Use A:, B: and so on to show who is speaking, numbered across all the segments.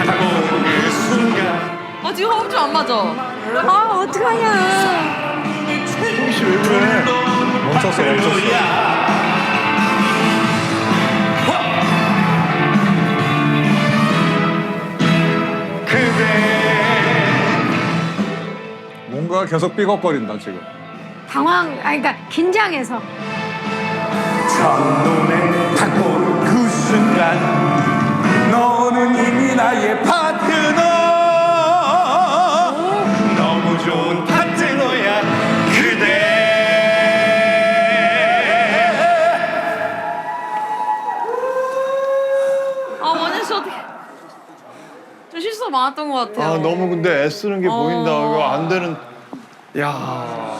A: 다가오는 그 순간
B: 아 지금 호흡 좀 안 맞아.
C: 아 어떡하냐.
D: 혹시 왜 그래? 멈췄어. 뭔가 계속 삐걱거린다 지금.
C: 그러니까 긴장해서.
A: 첫눈에 딱 보는 그 순간 너는 이미 나의 파트너 너무 좋은 파트너야 그대
B: 아 원현 씨 어떻게? 좀 실수가 많았던 것 같아요.
D: 아 너무 근데 애쓰는 게 보인다. 이거 안 되는. 야.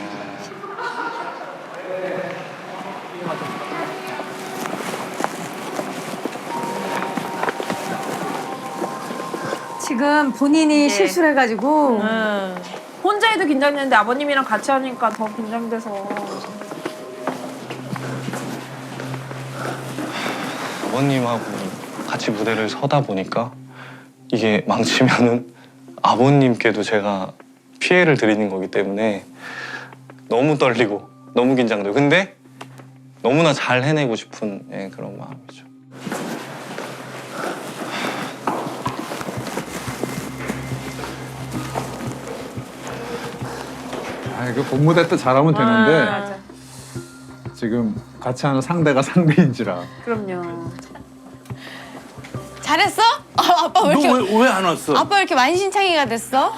C: 지금 본인이 실수를 해가지고
E: 혼자 해도 긴장되는데 아버님이랑 같이 하니까 더 긴장돼서.
F: 아버님하고 같이 무대를 서다 보니까 이게 망치면은 아버님께도 제가 피해를 드리는 거기 때문에 너무 떨리고 너무 긴장돼요. 근데 너무나 잘 해내고 싶은 그런 마음이죠.
D: 아 이거 본무대 때 잘하면 되는데
E: 맞아.
D: 지금 같이 하는 상대가 상대인지라.
E: 그럼요.
G: 잘했어? 아빠 왜 이렇게
A: 왜 안 왔어?
G: 아빠 왜 이렇게 만신창이가 됐어?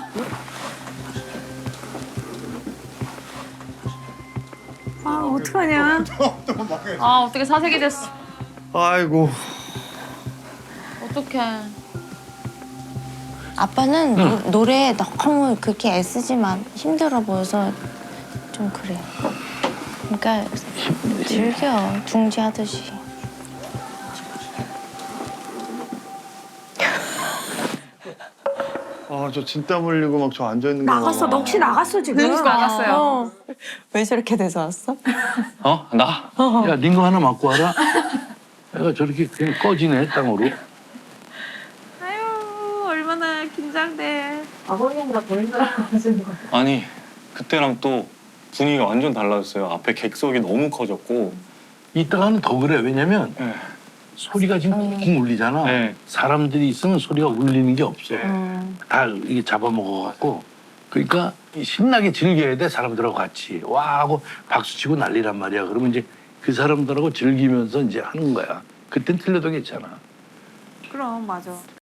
C: 아 어떡하냐.
B: 아 어떻게 사색이 됐어?
D: 아이고.
B: 어떡해.
G: 아빠는 노래에 너무 그렇게 애쓰지만 힘들어 보여서 좀 그래. 그러니까 즐겨 둥지하듯이.
D: 아 저 진땀 흘리고 막 저 앉아 있는 거.
C: 나갔어. 넋이 나갔어 지금.
E: 넋이 나갔어요.
G: 왜 저렇게 돼서 왔어?
F: 어? 나?
H: 야, 링거 하나 맞고 와라. 애가 저렇게 그냥 꺼지네, 땅으로.
E: 아유 얼마나 긴장돼.
F: 아니 그때랑 또 분위기가 완전 달라졌어요. 앞에 객석이 너무 커졌고.
H: 이따가는 더 그래. 왜냐면
F: 네.
H: 소리가 지금 쿵 울리잖아.
F: 네.
H: 사람들이 있으면 소리가 울리는 게 없어. 다 이게 잡아먹어갖고. 그러니까 신나게 즐겨야 돼, 사람들하고 같이. 와 하고 박수치고 난리란 말이야. 그러면 이제 그 사람들하고 즐기면서 이제 하는 거야. 그땐 틀려도 괜찮아.
E: 그럼 맞아.